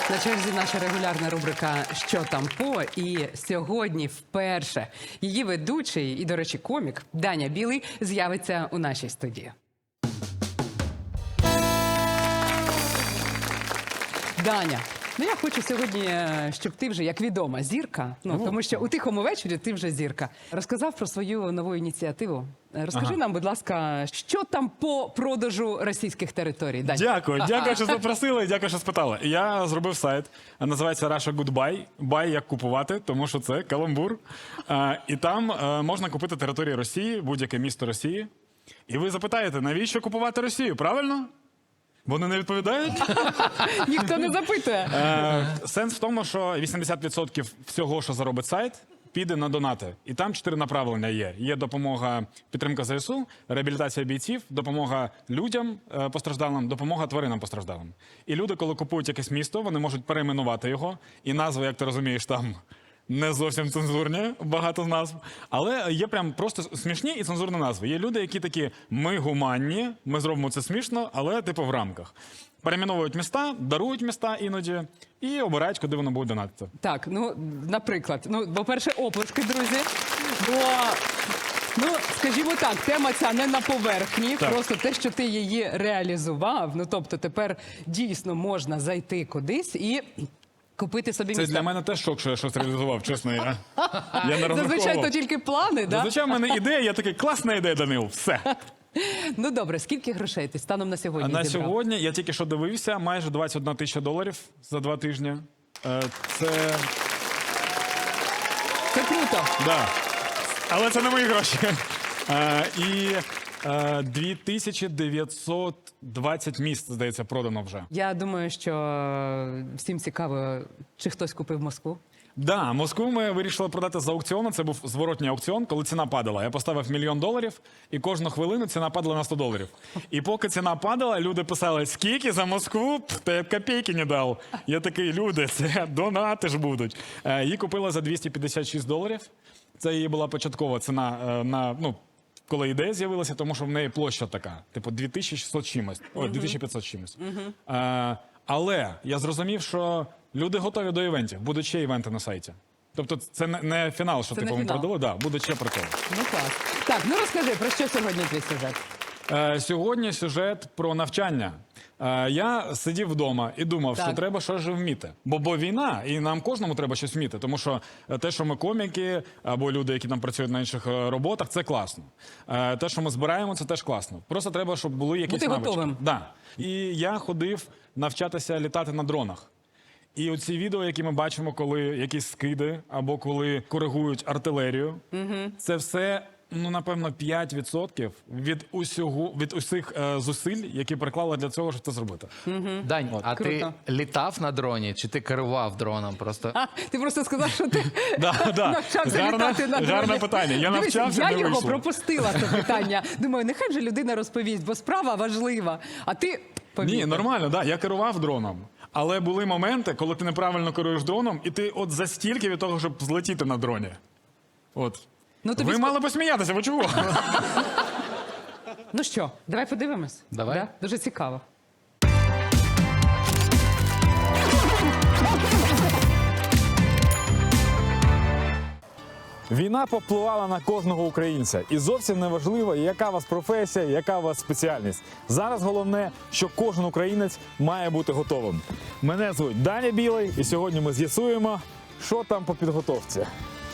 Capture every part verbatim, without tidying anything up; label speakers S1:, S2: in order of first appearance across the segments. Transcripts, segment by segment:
S1: На черзі наша регулярна рубрика «Що там по?» І сьогодні вперше її ведучий і, до речі, комік Даня Білий з'явиться у нашій студії. Даня, ну я хочу сьогодні, щоб ти вже, як відома, зірка, ну, тому що у тихому вечорі ти вже зірка, розказав про свою нову ініціативу. Розкажи
S2: Ага.
S1: нам, будь ласка, що там по продажу російських територій? Дань.
S2: Дякую, дякую, що запросили, дякую, що спитали. Я зробив сайт, називається Russia Goodbye. Buy як купувати, тому що це каламбур. А, і там а, можна купити території Росії, будь-яке місто Росії. І ви запитаєте, навіщо купувати Росію, правильно? Вони не відповідають?
S1: Ніхто не запитує.
S2: Е, Сенс в тому, що вісімдесят відсотків всього, що заробить сайт, піде на донати. І там чотири направлення є. Є допомога, підтримка ЗСУ, реабілітація бійців, допомога людям е, постраждалим, допомога тваринам постраждалим. І люди, коли купують якесь місто, вони можуть перейменувати його. І назви, як ти розумієш, там не зовсім цензурні, багато назв. Але є прям просто смішні і цензурні назви. Є люди, які такі, ми гуманні, ми зробимо це смішно, але типу в рамках. Перейменовують міста, дарують міста іноді і обирають, куди воно буде донатити.
S1: Так, ну, наприклад, ну, по-перше, оплески, друзі. Бо, ну, скажімо так, тема ця не на поверхні,
S2: Так.
S1: просто те, що ти її реалізував, ну, тобто тепер дійсно можна зайти кудись і купити собі
S2: Це
S1: місце.
S2: для мене теж шок, що я щось реалізував, чесно. Я, я не
S1: Зазвичай то
S2: розраховував.
S1: тільки плани, да?
S2: Зазвичай в мене ідея, я такий, класна ідея, Данил, все.
S1: Ну, добре, скільки грошей ти станом на
S2: А
S1: сьогодні
S2: на
S1: зібрав?
S2: сьогодні, я тільки що дивився, майже двадцять одна тисяча доларів за два тижні. Е, Це,
S1: Це круто.
S2: да. Але це не мої гроші. Е, І е, дві тисячі дев'ятсот двадцять місць, здається, продано вже.
S1: Я думаю, що всім цікаво, чи хтось купив Москву.
S2: Да, Москву ми вирішили продати з аукціону. Це був зворотній аукціон, коли ціна падала. Я поставив мільйон доларів, і кожну хвилину ціна падала на сто доларів. І поки ціна падала, люди писали, скільки за Москву? Пф, та я копійки не дав. Я такий, люди, це донати ж будуть. Е, Її купила за двісті п'ятдесят шість доларів. Це її була початкова ціна е, на, ну, коли ідея з'явилася, тому що в неї площа така, типу дві тисячі шістсот чимось, ой, дві тисячі п'ятсот чимось. Е, але я зрозумів, що люди готові до івентів, будуть ще івенти на сайті. Тобто це не, не фінал, що
S1: Це
S2: типу
S1: не
S2: ми
S1: фінал.
S2: продали, да, буде ще прикол.
S1: Ну, клас. Так, ну розкажи, про що сьогодні твій сюжет?
S2: Е, сьогодні сюжет про навчання. Е, я сидів вдома і думав,
S1: Так.
S2: що треба щось же вміти. Бо, бо війна, і нам кожному треба щось вміти. Тому що е, те, що ми коміки, або люди, які там працюють на інших е, роботах, це класно. Е, те, що ми збираємо, це теж класно. Просто треба, щоб були якісь
S1: Бути
S2: навички.
S1: готовим.
S2: Да. І я ходив навчатися літати на дронах. І оці відео, які ми бачимо, коли якісь скиди або коли коригують артилерію, це все, ну, напевно, п'ять відсотків від усього, від усіх е, зусиль, які приклали для цього, щоб це зробити.
S3: Дань, а
S1: Круто.
S3: ти літав на дроні чи ти керував дроном? Просто
S1: А, ти просто сказав, що ти
S2: Да, да.
S1: навчався
S2: Гарне-
S1: літати на дроні.
S2: гарне питання. Я
S1: Дивись,
S2: навчався,
S1: я
S2: не
S1: його
S2: вийшло.
S1: пропустила, це питання. Думаю, нехай вже людина розповість, бо справа важлива. А ти повів.
S2: Ні, нормально, да, я керував дроном. Але були моменти, коли ти неправильно керуєш дроном, і ти от за стільки від того, щоб злетіти на дроні. От.
S1: Ну, тобі
S2: Ви
S1: ск-
S2: мали посміятися, ви чого?
S1: Ну що, давай подивимось.
S3: Давай.
S1: Да? Дуже цікаво.
S4: Війна попливала на кожного українця, і зовсім не важливо, яка у вас професія, яка у вас спеціальність. Зараз головне, що кожен українець має бути готовим. Мене звуть Даня Білий, і сьогодні ми з'ясуємо, що там по підготовці.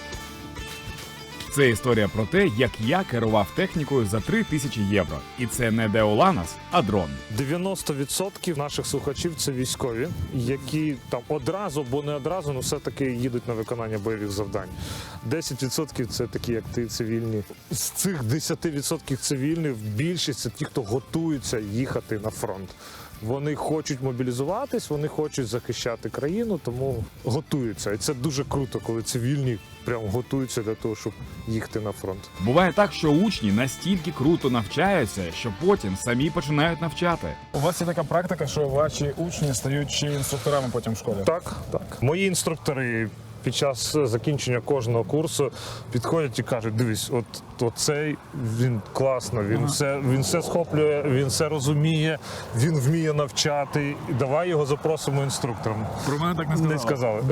S5: Це історія про те, як я керував технікою за три тисячі євро. І це не Деоланос, а дрон.
S6: дев'яносто відсотків наших слухачів це військові, які там одразу, бо не одразу, ну все-таки їдуть на виконання бойових завдань. десять відсотків це такі, як ти, цивільні. З цих десять відсотків цивільних більшість це ті, хто готуються їхати на фронт. Вони хочуть мобілізуватись, вони хочуть захищати країну, тому готуються. І це дуже круто, коли цивільні прям готуються для того, щоб їхати на фронт.
S5: Буває так, що учні настільки круто навчаються, що потім самі починають навчати.
S4: У вас є така практика, що ваші учні стають ще інструкторами потім в школі?
S6: Так, так. Мої інструктори під час закінчення кожного курсу підходять і кажуть: дивись, от, от цей він класно, він все, він все схоплює, він все розуміє, він вміє навчати. Давай його запросимо інструктором.
S4: Про мене так не
S6: Не сказали.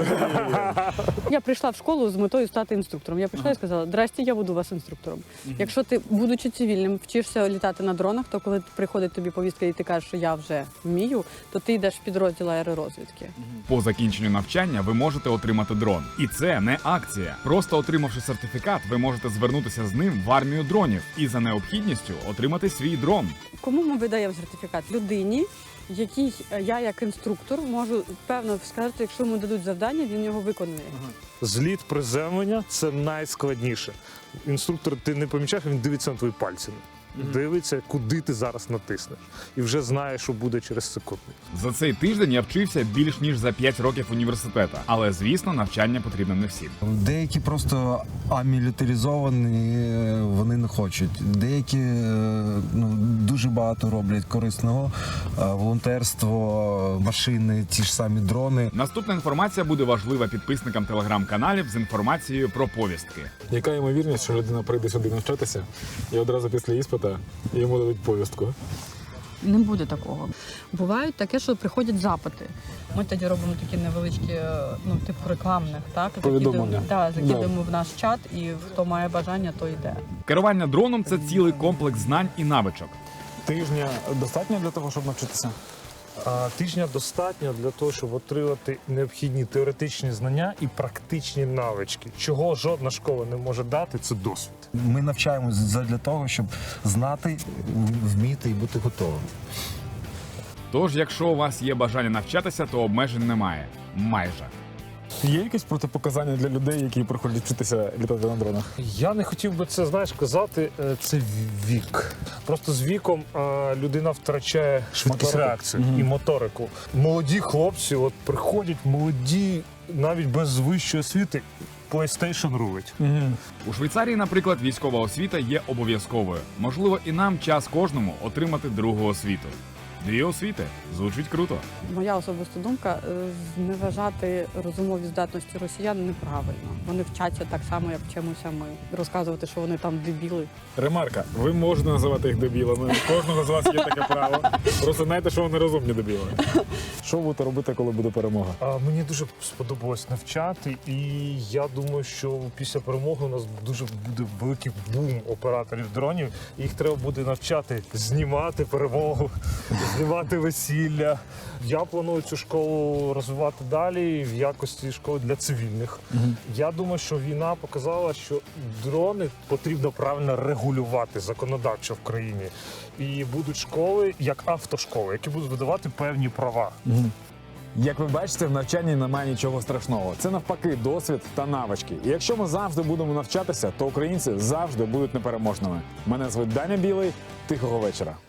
S7: Я прийшла в школу з метою стати інструктором. Я прийшла і сказала: здрасте, я буду у вас інструктором. Якщо ти, будучи цивільним, вчишся літати на дронах, то коли приходить тобі повістка і ти кажеш, що я вже вмію, то ти йдеш в підрозділ аеророзвідки.
S5: По закінченню навчання ви можете отримати дрон. І це не акція. Просто отримавши сертифікат, ви можете звернутися з ним в армію дронів і за необхідністю отримати свій дрон.
S7: Кому ми видаємо сертифікат? Людині, якій я як інструктор можу певно сказати, якщо йому дадуть завдання, він його виконує.
S6: Зліт приземлення – це найскладніше. Інструктор, ти не помічаєш, він дивиться на твої пальці. Дивиться, куди ти зараз натиснеш. І вже знає, що буде через секунду.
S5: За цей тиждень я вчився більш ніж за п'ять років університету. Але, звісно, навчання потрібно не всім.
S8: Деякі просто амілітаризовані, вони не хочуть. Деякі ну, дуже багато роблять корисного. Волонтерство, машини, ті ж самі дрони.
S5: Наступна інформація буде важлива підписникам телеграм-каналів з інформацією про повістки.
S4: Яка ймовірність, що людина прийде сюди навчатися і одразу після іспита йому дадуть повістку?
S7: Не буде такого. Бувають таке, що приходять запити. Ми тоді робимо такі невеличкі, ну, типу рекламних, так?
S4: Повідомлення.
S7: Так, закидуємо в наш чат, і хто має бажання, то йде.
S5: Керування дроном – це цілий комплекс знань і навичок.
S4: Тижня достатньо для того, щоб навчитися?
S6: А тижня достатньо для того, щоб отримати необхідні теоретичні знання і практичні навички. Чого жодна школа не може дати, це досвід.
S8: Ми навчаємося для того, щоб знати, вміти і бути готовим.
S5: Тож, якщо у вас є бажання навчатися, то обмежень немає. Майже.
S4: Є якісь протипоказання для людей, які приходять вчитися літати на дронах?
S6: Я не хотів би це, знаєш, казати, е, це вік. Просто з віком е, людина втрачає швидкість
S4: Моторику.
S6: реакції і моторику. Молоді хлопці от приходять, молоді, навіть без вищої освіти, PlayStation рулить.
S5: У Швейцарії, наприклад, військова освіта є обов'язковою. Можливо, і нам час кожному отримати другу освіту. Дві освіти. Звучить круто.
S7: Моя особиста думка е, зневажати розумові здатності росіян неправильно. Вони вчаться так само, як вчимося ми. Розказувати, що вони там дебіли.
S4: Ремарка, ви можете називати їх дебілами. У кожного з вас є таке право. Просто знайте, що вони розумні дебіли. Що ви будете робити, коли буде перемога?
S6: А мені дуже сподобалось навчати, і я думаю, що після перемоги у нас дуже буде великий бум операторів дронів. Їх треба буде навчати знімати перемогу, знімати весілля. Я планую цю школу розвивати далі в якості школи для цивільних. Я думаю, що війна показала, що дрони потрібно правильно регулювати законодавчо в країні. І будуть школи, як автошколи, які будуть видавати певні права.
S4: Як ви бачите, в навчанні немає нічого страшного. Це навпаки досвід та навички. І якщо ми завжди будемо навчатися, то українці завжди будуть непереможними. Мене звуть Даня Білий. Тихого вечора.